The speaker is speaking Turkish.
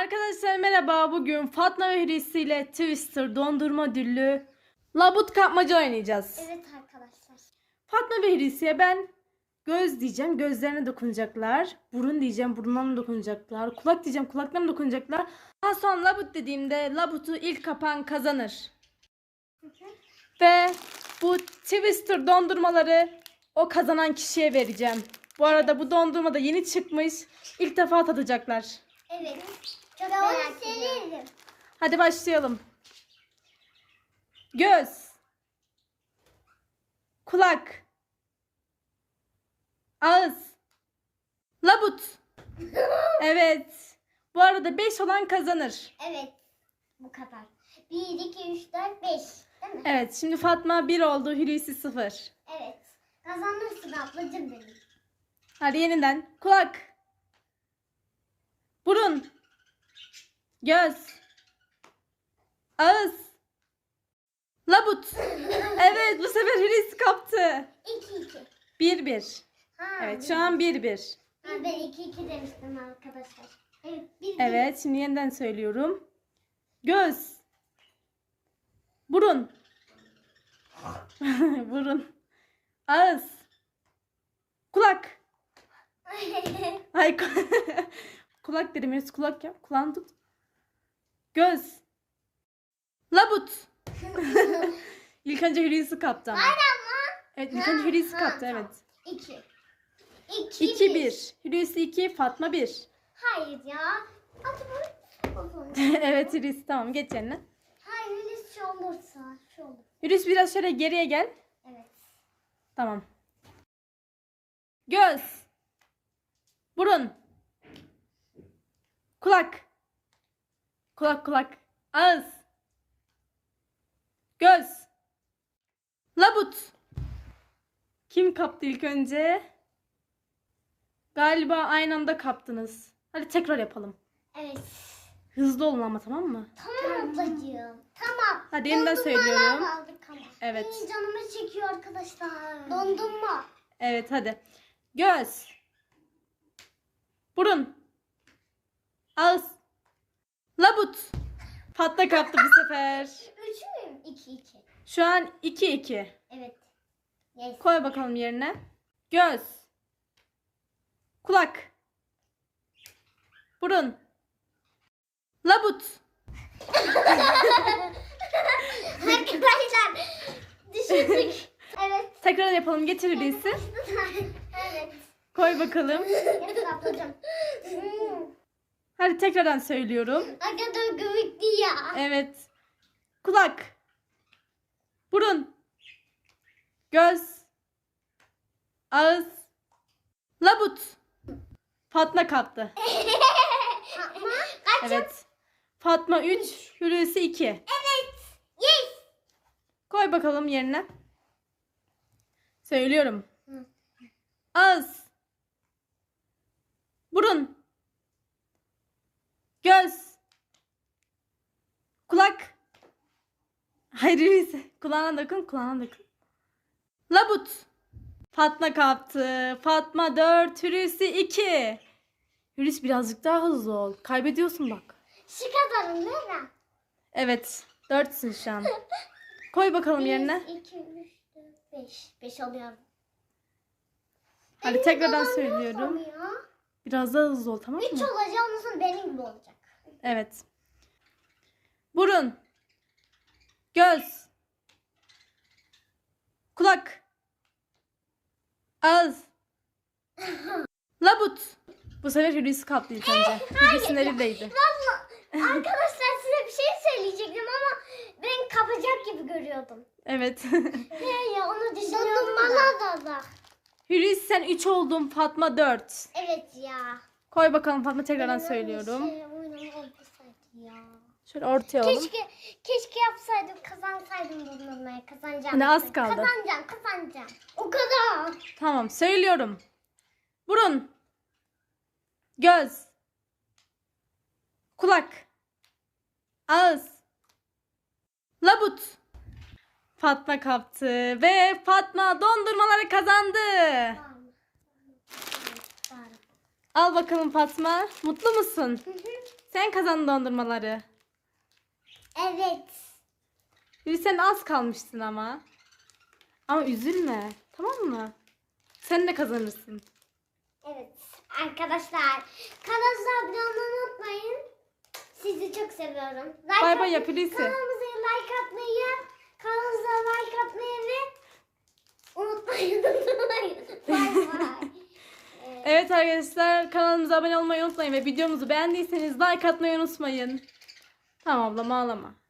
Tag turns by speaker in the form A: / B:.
A: Arkadaşlar merhaba. Bugün Fatma ve Hulusi ile Twister dondurma ödüllü labut kapmaca oynayacağız.
B: Evet arkadaşlar.
A: Fatma ve Hulusi'ye ben göz diyeceğim, gözlerine dokunacaklar. Burun diyeceğim, burunlarına dokunacaklar. Kulak diyeceğim, kulaklarına dokunacaklar. Daha sonra labut dediğimde labutu ilk kapan kazanır. Ve bu Twister dondurmaları o kazanan kişiye vereceğim. Bu arada bu dondurma da yeni çıkmış. İlk defa tadacaklar.
B: Evet. Çok merak ediyorum.
A: Hadi başlayalım. Göz. Kulak. Ağız. Labut. Evet. Bu arada 5 olan kazanır.
B: Evet. Bu kadar. 1, 2, 3, 4, 5. Değil mi?
A: Evet. Şimdi Fatma 1 oldu. Hulusi 0.
B: Evet. Kazanırsın ablacığım benim.
A: Hadi yeniden. Kulak. Burun. Göz. Ağız. Labut. Evet, bu sefer Hulusi kaptı.
B: 2, 2.
A: 1-1. Evet, şu an 1-1.
B: Ben 2, 2 demiştim arkadaşlar. Evet. 1, 1.
A: Evet, şimdi yeniden söylüyorum. Göz. Burun. Burun. Ağız. Kulak. Ay kulak dedim. Hulusi kulak yap. Kulağını tut. Göz. Labut. İlk önce Hulusi kaptı ama. Evet, ilk önce Hulusi kaptı, evet.
B: 2.
A: 2-1. Hulusi 2, Fatma 1.
B: Hayır ya. Hadi bu.
A: Evet Hulusi, tamam, geç yerine.
B: Hayır öyle şey olursa. Şey olur.
A: Hulusi biraz şöyle geriye gel.
B: Evet.
A: Tamam. Göz. Burun. Kulak. Kulak. Ağız. Göz. Labut. Kim kaptı ilk önce? Galiba aynı anda kaptınız. Hadi tekrar yapalım.
B: Evet.
A: Hızlı olun ama, tamam mı?
B: Tamam ablacığım. Tamam.
A: Hadi yeniden
B: Dondurmalar
A: söylüyorum.
B: aldık ama.
A: Evet.
B: İyi, canımı çekiyor arkadaşlar. Dondurma.
A: Evet, hadi. Göz. Burun. Ağız. Labut. Fatma kaptı bu sefer.
B: 3 müyüm? 2, 2.
A: Şu an 2-2.
B: Evet. Yes.
A: Koy bakalım yerine. Göz. Kulak. Burun. Labut.
B: Arkadaşlar düşürdük. Evet.
A: Tekrar yapalım. Getir Hulusi.
B: Evet.
A: Koy bakalım.
B: Getir ablacığım.
A: Hadi tekrardan söylüyorum.
B: Ne kadar komikti ya.
A: Evet. Kulak. Burun. Göz. Ağız. Labut. Fatma kaptı.
B: Ama kaç?
A: Evet. Fatma 3, Hulusi 2.
B: Evet. Yes.
A: Koy bakalım yerine. Söylüyorum.
B: Hı.
A: Ağız. Burun. Göz. Kulak. Hayır Hulusi. Kulağına dokun. Labut. Fatma kaptı. Fatma 4, Hulusi 2. Hulusi birazcık daha hızlı ol. Kaybediyorsun bak.
B: Şu kadarım değil mi?
A: Evet. 4'sün şu an. Koy bakalım yerine.
B: 1, 2, 3, 4, 5. 5 alıyorum.
A: Hadi tekrardan söylüyorum. Biraz daha hızlı ol, tamam
B: 3
A: mı?
B: olacak, ondan sonra benim gibi olacak.
A: Evet. Burun. Göz. Kulak. Ağız. Labut. Bu sefer Hulusi kaptı ilk önce. Hulusi'nin elindeydi.
B: Valla arkadaşlar size bir şey söyleyecektim ama ben kapacak gibi görüyordum.
A: Evet.
B: He ya, onu düşünüyordum da.
A: Hulusi sen 3 oldun. Fatma 4.
B: Evet ya.
A: Koy bakalım Fatma, tekrardan söylüyorum.
B: Oynama olmasaydı ya.
A: Şöyle ortaya alalım.
B: Keşke yapsaydım, kazansaydım dondurmayı. Kazanacağım.
A: Hani az kaldı.
B: Kazanacağım. O kadar.
A: Tamam, söylüyorum. Burun. Göz. Kulak. Ağız. Labut. Fatma kaptı ve Fatma dondurmaları kazandı. Al bakalım Fatma. Mutlu musun? Sen kazandın dondurmaları.
B: Evet.
A: Hulusi sen az kalmışsın ama. Ama üzülme. Tamam mı? Sen de kazanırsın.
B: Evet. Arkadaşlar kanalımıza abone olmayı unutmayın. Sizi çok seviyorum.
A: Bay bay yap Hulusi.
B: Kanalımıza like atmayı ve unutmayın. Bay bay.
A: Evet arkadaşlar kanalımıza abone olmayı unutmayın ve videomuzu beğendiyseniz like atmayı unutmayın. Tamam ablam ağlama.